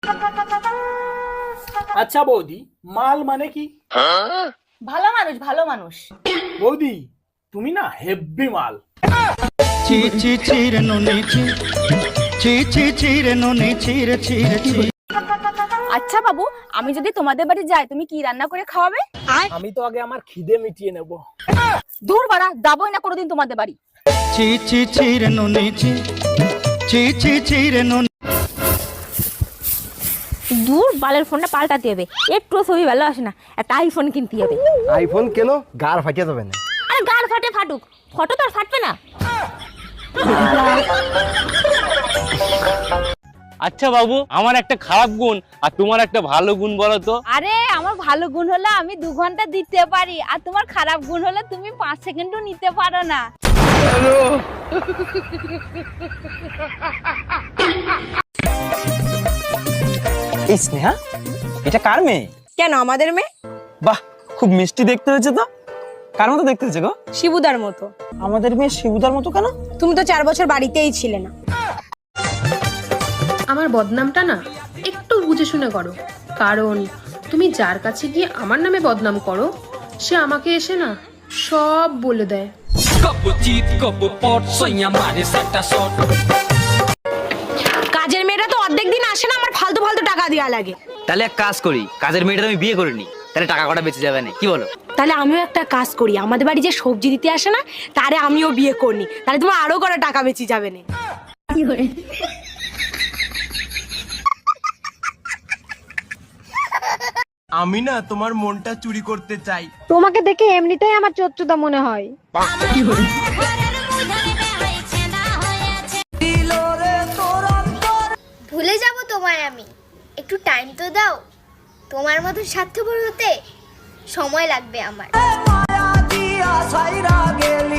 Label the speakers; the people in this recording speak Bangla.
Speaker 1: আচ্ছা বৌদি, মাল মানে কি?
Speaker 2: ভালো মানুষ, ভালো মানুষ।
Speaker 1: বৌদি তুমি না হেব্বি মাল।
Speaker 3: চি চি চিরে নুনি চি চি চি চিরে নুনি চিরে চিরে চি।
Speaker 2: আচ্ছা বাবু, আমি যদি তোমাদের বাড়ি যাই তুমি কি রান্না করে খাওয়াবে?
Speaker 1: আমি তো আগে আমার খিদে মিটিয়ে নেব।
Speaker 2: দূর বাড়া, যাবোই না কোনোদিন তোমাদের বাড়ি।
Speaker 3: চি চি চিরে নুনি চি চি চি চিরে নুনি।
Speaker 2: দূর বালের ফোনটা পাল্টাতে হবে, একটু ছবি ভালো আসে না, একটা আইফোন কিনতে হবে।
Speaker 4: আইফোন কেন? গার ফাটিয়ে যাবে না।
Speaker 2: আরে গার ফাটে ফাটুক, ফটো তো আর ফাটবে না।
Speaker 5: আচ্ছা বাবু, আমার একটা খারাপ গুণ আর তোমার একটা ভালো গুণ বলো তো।
Speaker 2: আরে আমার ভালো গুণ হলো আমি 2 ঘন্টা দিতে পারি, আর তোমার খারাপ গুণ হলো তুমি 5 সেকেন্ডও নিতে পারো না।
Speaker 6: এই স্নেহা, এটা কার মেয়ে?
Speaker 7: কেন আমাদের মেয়ে?
Speaker 6: বাহ, খুব মিষ্টি দেখতে হয়েছে তো। কার মতো দেখতে হয়েছে গো?
Speaker 7: শিবুদার মতো।
Speaker 6: আমাদের মেয়ে শিবুদার মতো কেন?
Speaker 7: তুমি তো 4 বছর বাড়িতেই ছিলে না।
Speaker 8: আমার বদনামটা না একটু বুঝে শুনে করো, কারণ তুমি যার কাছে গিয়ে আমার নামে বদনাম করো সে আমাকে এসে না সব বলে দেয়।
Speaker 7: কাজের মেয়েরা তো অর্ধেক দিন আসে না, আমার ফালতু ফালতু টাকা দেওয়া লাগে।
Speaker 9: তাহলে এক কাজ করি, কাজের মেয়েটা আমি বিয়ে করে নি, তাহলে টাকা কটা বেঁচে যাবে না, কি বলো?
Speaker 7: তাহলে আমিও একটা কাজ করি, আমাদের বাড়ি যে সবজি দিতে আসে না তারে আমিও বিয়ে করনি, তাহলে তোমার আরো কটা টাকা বেঁচে যাবে না।
Speaker 4: আমি না তোমার মনটা চুরি করতে চাই।
Speaker 7: তোমাকে দেখে এমনিতেই আমার চোচ্চুদা মনে হয়।
Speaker 10: ভুলে যাব তোমায় আমি, একটু টাইম তো দাও। তোমার মতো স্বার্থপর হতে সময় লাগবে আমার।